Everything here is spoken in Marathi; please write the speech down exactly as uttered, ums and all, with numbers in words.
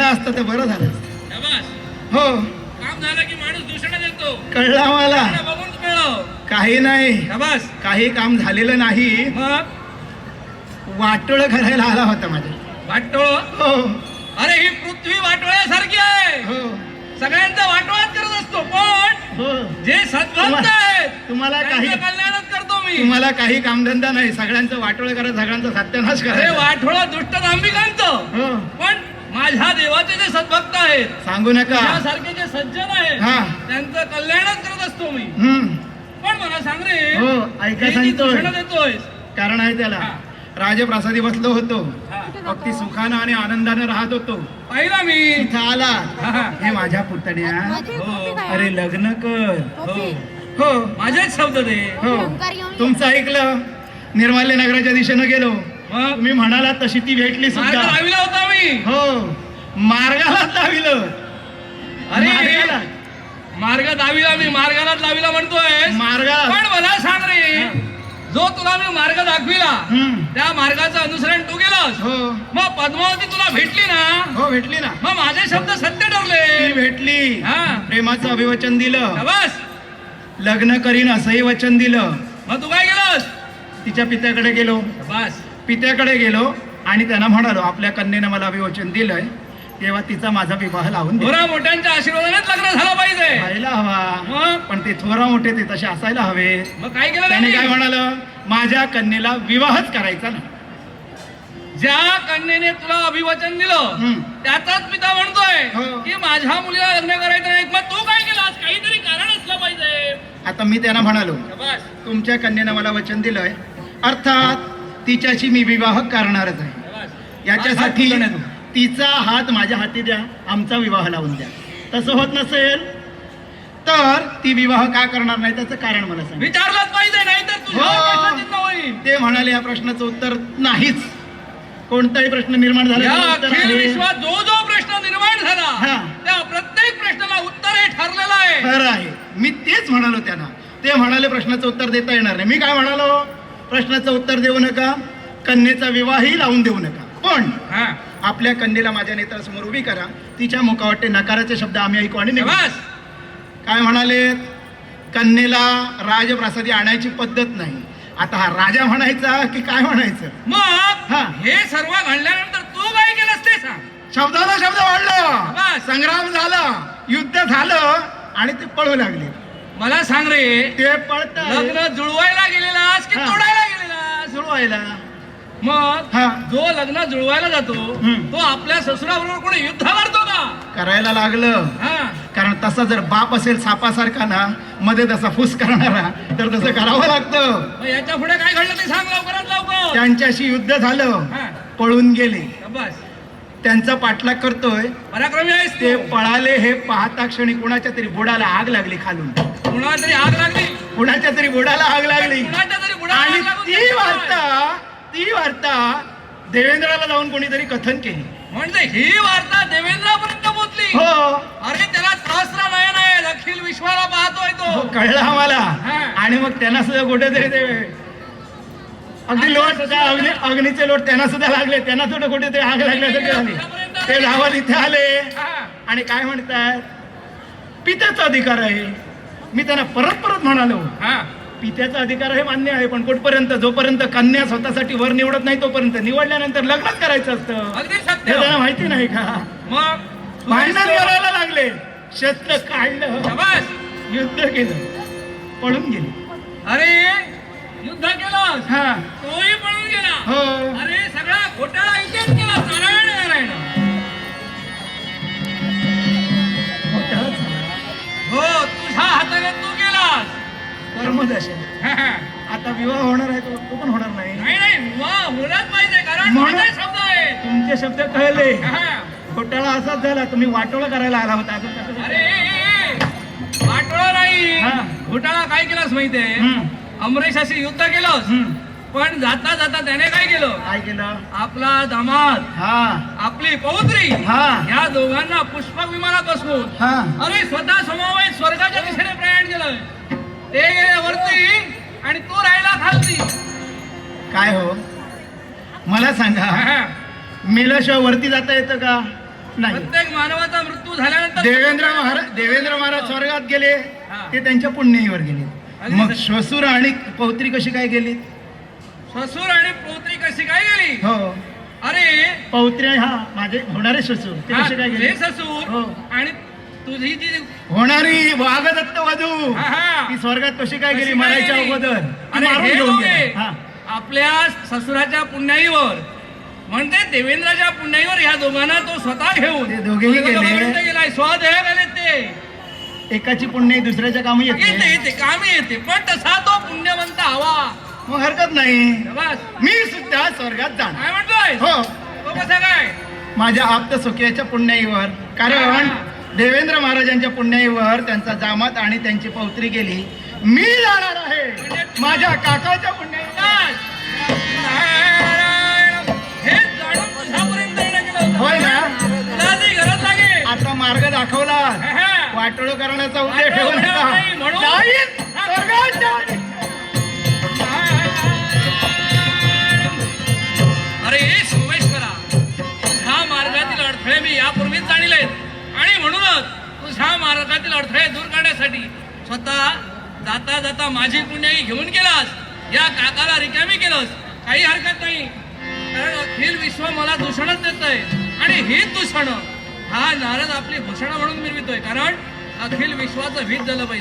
असतं तर बरं झालं असतं. हो काम झालं की माणूस दूषण देतो. कळला मला. बघून कळलं. काही नाही, काही काम झालेलं नाही. मग वाटोळ करायला आला होता माझ्या. वाटोळ? हो. अरे ही पृथ्वी वाटोळ्यासारखी आहे. हो. सगळ्यांचा वाटोळाच करत असतो. पण हो. जे सद्भक्त आहेत तुम्हाला काही कल्याणच करतो मी. तुम्हाला काही कामधंदा नाही, सगळ्यांचं वाटोळ करा, सगळ्यांचा सत्यानाश करा. अरे वाटोळ दुष्ट दांभिकांचं. हो. पण माझ्या देवाचे जे सद्भक्त आहेत, सांगू नका, त्यासारखे जे सज्जन आहेत, हा. त्यांचं कल्याणच करत असतो मी. हम्म. पण मला सांग रे, हो ऐका सांगतोय, दूषण देतोय. कारण आहे त्याला. हा. राजप्रासादी बसलो होतो, हा. अगदी सुखानं आणि आनंदाने राहत होतो. पाहिला मी. इथं आला, हा. हे माझ्या पुतण्या, हो. अरे लग्न कर. हो. हो माझेच शब्द दे. हो. तुमचं ऐकलं, निर्माल्य नगराच्या दिशेनं गेलो. मग तुम्ही म्हणाला तशी ती भेटली मार्ग सुद्धा. लाविला होता मी. हो मार्गालाच लाविलं. अरे मार्गाला मार्ग दाविला मी, मार्गालाच लाविला म्हणतोय. मार्गाला पण मला सांग रे, जो तुला मी मार्ग दाखविला, हम्म. त्या मार्गाचं अनुसरण तू केलंस. हो मग पद्मावती तुला भेटली ना. हो भेटली ना. मग माझे शब्द सत्य ठरले. ती भेटली. हा. प्रेमाचं अभिवचन दिलं, बस. लग्न करीन असंही वचन दिलं. मग तू काय केलंस? तिच्या पित्याकडे गेलो. बस. पित्याकडे गेलो आणि त्यांना म्हणालो, आपल्या कन्येनं मला अभिवचन दिलंय, तेव्हा तिचा माझा विवाह लावून दे. थोरा मोठ्यांच्या आशीर्वादानेच लग्न झालं पाहिजे. व्हायला हवा. मग पण ते थोरा मोठे ते तसे असायला हवे. मग काय केलं त्याने त्यांनी? काय म्हणालं, माझ्या कन्येला विवाहच करायचा ना. ज्या कन्येने तुला अभिवचन दिलं, हम्म. त्याचाच पिता म्हणतोय हो. की माझ्या मुलीला लग्न करायचं नाही. मग तू काय केलास? काहीतरी कारण असलं पाहिजे. आता मी त्यांना म्हणालो, बस. तुमच्या कन्येनं मला वचन दिलंय, अर्थात तिच्याशी मी विवाह करणारच आहे. बस. याच्यासाठी हात पुढे तू. तिचा हात माझ्या हाती द्या, आमचा विवाह लावून द्या. तसं होत नसेल तर ती विवाह का करणार नाही, त्याचं कारण मला सांग. विचारलंच पाहिजे, नाही तर तुझ्या हो. प्रश्नचिन्ह होईल. ते म्हणाले, या प्रश्नाचं उत्तर नाहीच. कोणताही प्रश्न निर्माण झाला या त्याचं उत्तर अखिल आहे. विश्वात जो जो प्रश्न निर्माण झाला, हा. त्या प्रत्येक प्रश्नाला उत्तर हे ठरलेलं आहे. खरं आहे. मी तेच म्हणालो त्यांना. ते म्हणाले प्रश्नाचं उत्तर देता येणार नाही. मी काय म्हणालो, प्रश्नाचं उत्तर देऊ नका, कन्येचा विवाहही लावून देऊ नका, पण हा. आपल्या कन्येला माझ्या नेत्रासमोर उभी करा. तिच्या मुखावरचे नकाराचे शब्द आम्ही ऐकू आणि निघू. बस. काय म्हणाले, कन्येला राजप्रासादी आणायची पद्धत नाही. आता हा राजा म्हणायचा की काय म्हणायचं? मग हा. हे सर्व घडल्यानंतर तू काय केलंस ते सांग. शब्दाला शब्द वाढला, बस. संग्राम झाला, युद्ध झालं आणि ते पळू लागले. मला सांग रे, ते पळत लग्न जुळवायला गेलेलास की हा. तोडायला गेलेलास? जुळवायला. मग हा. जो लग्न जुळवायला जातो, हम्म. तो आपल्या ससुराबरोबर कोणी युद्ध करतो का? करायला लागलं. हा. कारण तसा जर बाप असेल सापासारखा ना, मध्ये तसा फुस करणारा, तर तसं करावं लागतं. मग याच्या पुढे काय घडलं ते सांग लवकरात लवकर. त्यांच्याशी युद्ध झालं, हा. पळून गेले. बस. त्यांचा पाठलाग करतोय, पराक्रमी आहेस ते तू. पळाले. हे पाहता क्षणी कुणाच्या तरी बुडाला आग लागली खालून. कुणाला तरी आग लागली. कुणाच्या तरी बुडाला आग लागली. कुणाच्या तरी बुडाला आणि आग लागून ती त्याचं काय? वार्ता ती वार्ता देवेंद्राला जाऊन कोणीतरी कथन केली. म्हणजे ही वार्ता देवेंद्रापर्यंत पोहोचली. हो अरे त्याला सहस्र नयन आहे, अखिल विश्वाला पाहतोय हो, तो. कळलं आम्हाला. हा. आणि मग त्यांना सुद्धा कुठेतरी ते अगदी लोट त्या अग्नी अग्नीचे लोट त्यांना सुद्धा लागले. त्यांना सुद्धा कुठेतरी आग लागल्यासारखे झाले. ते धावत इथे आले हा. आणि काय म्हणतात, पित्याचा अधिकार आहे. मी त्यांना परत परत म्हणालो, हा. पित्याचा अधिकार हे मान्य आहे, पण कुठपर्यंत, जोपर्यंत कन्या स्वतःसाठी वर निवडत नाही तोपर्यंत, निवडल्यानंतर लग्नच करायचं असतं. अगदी हे सत्य. त्यांना माहिती नाही का? मग भांडण करायला लागले, शस्त्र काढलं, शाबास. युद्ध केलं, पळून गेले. अरे युद्ध केलं, हा तोही पळून गेला. हो अरे सगळा घोटाळा इथेच केला. नारायण नारायण. मोठाच हो, तुझ्या हाताने तू गेलास. कर्मदशा. हा, हा. आता विवाह होणार आहे, तो तो पण होणार नाही. नाही नाही, वा होणारच पाहिजे, कारण म्हणून- माझे शब्द आहे. तुमचे शब्द कळले. हा. घोटाळा असाच झाला, तुम्ही वाटोळा करायला आला होता. अजून कसं अरे ए, ए, वाटोळा नाही, हा. घोटाळा काय केलास माहितीये? हम्म, अमरेशाशी युद्ध केलंस, हम्म. पण जाता जाता त्याने काय केलं? काय केलं? आपला दामाद, हा आपली पौत्री, हा या दोघांना पुष्पक विमानात बसवून हा अरे स्वतः समवेत स्वर्गाच्या दिशेने प्रयाण केलं. ते गेले वरती आणि तू राहिला खालती. काय हो, मला सांगा, हा, मेल्याशिवाय वरती जाता येतं का? नाही. प्रत्येक मानवाचा मृत्यू झाल्यानंतर देवेंद्र महाराज देवेंद्र महाराज स्वर्गात गेले हा. ते त्यांच्या पुण्याईवर गेले. अगदी मग सत्य. श्वसूर आणि पौत्री कशी काय गेली? ससूर आणि पौत्री कशी काय गेली? हो, अरे पौत्री हा माझे होणारे श्वसूर ते हा, कसे काय गेले? हे ससूर हो. आणि तुझी जी होणारी वाघदत्त वधू हा, हा. ती स्वर्गात कशी काय गेली? कशी काय मरायच्या गेली? अगोदर ती अरे मारून हे घेऊन दोघे गेला. हा. आपल्या ससुराच्या पुण्याईवर म्हणते देवेंद्राच्या पुण्याईवर ह्या दोघांना तो स्वतः घेऊन ते दोघेही गेले. स्वर्गापर्यंत गेलाय. स्वदेह गेले ते. एकाची पुण्य दुसऱ्याच्या कामी येते येते. येते कामी येते पण तसा तो पुण्यवंत हवा. मग हरकत नाही, बस मी सुद्धा स्वर्गात जाणार. काय म्हणतोय? हो, तो कसा काय? माझ्या आप्त सुखियाच्या पुण्याईवर. कारण देवेंद्र महाराजांच्या पुण्याईवर त्यांचा जामात आणि त्यांची पौत्री गेली. मी जाणार आहे माझ्या काकाच्या पुण्याईवर. नारायण. हे जाणून तुझ्यापर्यंत येणं गेलं होतं. होय ना? तुला ती गरज लागेल. आता मार्ग दाखवला. हा, हा. वाटोळ करण्याचा उद्देश वाटोळं ठेवू नका. नाही, म्हणून- जाईन, स्वर्गात जाईन. अरे सोमेश्वरा, ह्या मार्गातील अडथळे मी यापूर्वीच जाणीलेत आणि म्हणूनच तुझ्या मार्गातील अडथळे दूर करण्यासाठी स्वतः जाता जाता माझी पुण्याई घेऊन गेलास. या काकाला रिकामी केलंस. काही हरकत नाही, कारण अखिल विश्व मला दूषणच देतंय आणि ही दूषण हा नारद आपली भूषण म्हणून मिरवितोय. कारण अखिल विश्वाचं हित झालं पाहिजे.